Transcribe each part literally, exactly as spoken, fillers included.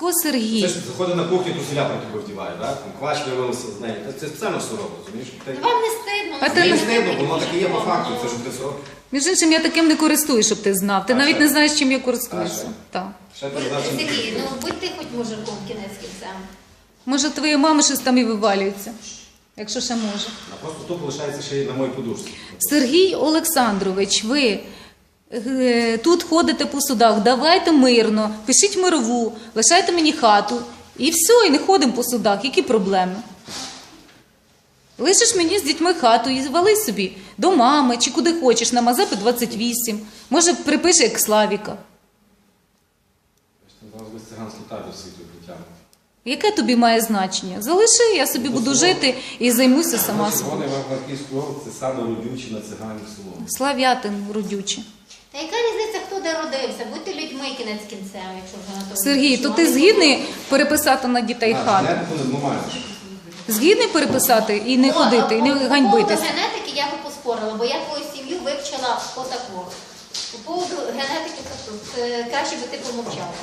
Ко Сергій. Це ж заходить на кухню, труселя про тебе вдіває, так? Квач виявилося з нею. Це спеціально все робить, розумієш? Вам не стидно? А ти Мені не не стидно, бо воно таке є по факту, це ж тридцять років. Між іншим, я таким не користуюсь, щоб ти знав. Ти А навіть що? не знаєш, чим я А користуюся. що? Так. Ще ти знаєш, що- Сергій, ну будьте хоч мужиком кінець кінцем. Може, твоя мама щось там і вивалюється, якщо ще може. А просто тупо лишається ще й на моїй подушці. Сергій Олександрович, ви е, тут ходите по судах, давайте мирно, пишіть мирову, лишайте мені хату. І все, і не ходимо по судах. Які проблеми? Лишиш мені з дітьми хату і вали собі до мами чи куди хочеш, на Мазепи двадцять вісім. Може, припиши як Славіка. Зараз без циганські табір світу притягнути. Яке тобі має значення? Залиши, я собі буду жити і займуся сама собою. Червоний Івано-Франківський область – це саме родюче на циганів село. Слав'ятин родюче. Та яка різниця, хто де родився? Будьте людьми кінець кінцем, якщо вже на то. Сергій, то ти згідний переписати на дітей хату? Генетику не зламаєш. Згідний переписати і не ходити, і не ганьбитись? По поводу генетики я би поспорила, бо я твою сім'ю вивчила отако. По поводу генетики е, краще би ти помовчала.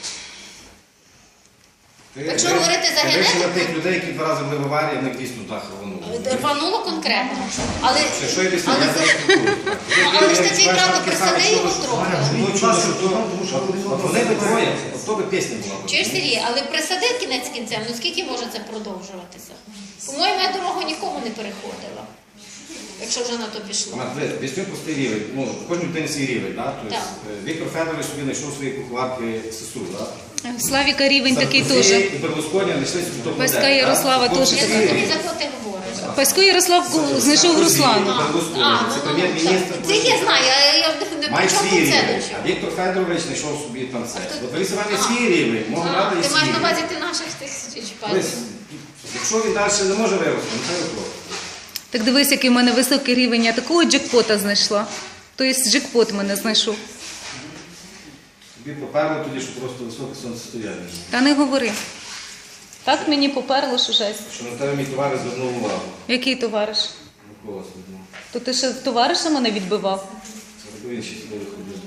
Ти- Якщо ти- говорити за ти вивчила генетику- тих людей, які два рази були в аварії, в них дійсно так рвануло. Рвануло конкретно. Але, Що, що я дійсно, але, я це- зараз спілкуюсь. але ж такий правда присади його трохи. Ну, чудо, що то, от вони би троє, от то би пісня була. Чуєш, Сергій, але присади кінець кінцем, ну скільки може це продовжуватися? По-моєму, я дорогу нікому не переходила, якщо вже на то пішло. Дивись, візьми простий рівень. Ну, кожен людини свій рівень, так? Тобто, Так. е, Віктор Федорович собі знайшов свої куховарки сестру, так? Славіка рівень такий теж. І Берлусконі знайшли собі топ-модель. Паська так? Ярослава Хлопці теж Я всі не рівні. за кого ти говориш. Пасько Ярослав знайшов Руслану. Берлусконі, А, це ну, ну, прем'єр-міністр. це я знаю, я, я не Має причому свій тут це рівень. до чого. А Віктор Федорович знайшов собі там це. хто- От Борис Іванович А. свій рівень, може А, брати і ти свій маєш на рівень. увазі ти наших тих чіпаєш. Ось, якщо він далі не може вирости, ну це його. Так дивись, який в мене високий рівень, я такого джекпота знайшла. Тобто джекпот мене знайшов. Тобі поперло тоді, що просто високе сонцестояння. Та не говори. Так мені поперло, що жесть. Що на тебе мій товариш звернув увагу. Який товариш? Микола Смирнов. То ти ще товариша мене відбивав? Це робив інші сюди виходили.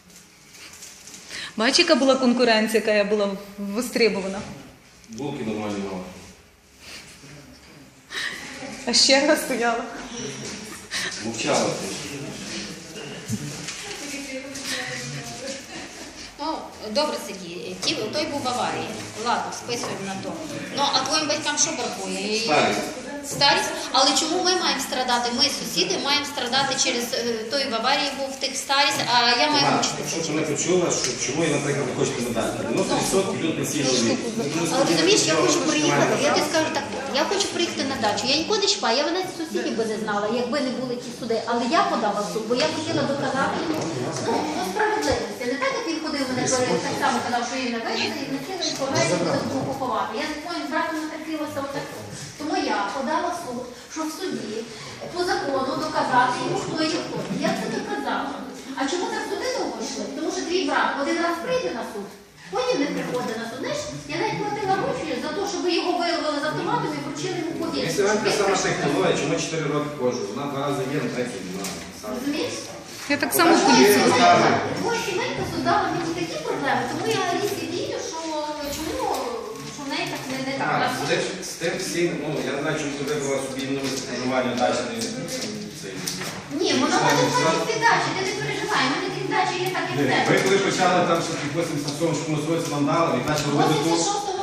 Бач, яка була конкуренція, яка я була востребована. Булки нормальні мали. А ще я стояла. Мовчала ти. Ну, добре, Сергій, ті, той був в аварії. Ладно, списуємо на то. Ну, а твоїм батькам що бракує? І- Старість. Старість? Але чому ми маємо страдати? Ми, сусіди, маємо страдати через е, той в аварії був в тих старість, а я маю Ага, мучитися. Що ти не почула, що чому я, наприклад, не хочу тебе дати? дев'яносто відсотків люди пенсійного віку. Але розумієш, я хочу приїхати, я тобі скажу так, я хочу приїхати на дачу. Я ніколи не чіпаю, я б навіть сусідів би не знала, якби не були ті суди. Але я подала в суд, бо я хотіла доказати йому ну, ну, справедливості. Не так, як він ходив мене перед, так само казав, що він не винен, і не хотіли повезти до поховати. Я з своїм братом натерпілася отак. Тому я подала в суд, що в суді по закону доказати йому, хто є хто. Я це доказала. А чому так суди довго йшли? Тому що твій брат один раз прийде на суд, потім не приходить на суд. Знаєш, я навіть платила гроші за те, щоб його вирвали з автоматом і вручили йому повістку. Якщо вам та сама технологія, чому чотири роки кожу? Вона два рази є, на третій не знаю. Розумієш? Я так само в Ні, поліцію. ні, ні. Твоя сімейка создала мені такі проблеми, тому я Алісі вірю, що чому що в неї так не, не так. А, А з всі- тим, з тим всім, ну, я не знаю, чому ти вибрала собі нове проживання дачне. цей. Ні, вона може ходити дачі, ти не переживай, в мене крім дачі є так, як в Ви тебе. коли почали там, що вісімдесят сьомому році нам дали, і почали робити тут, восемьдесят шостого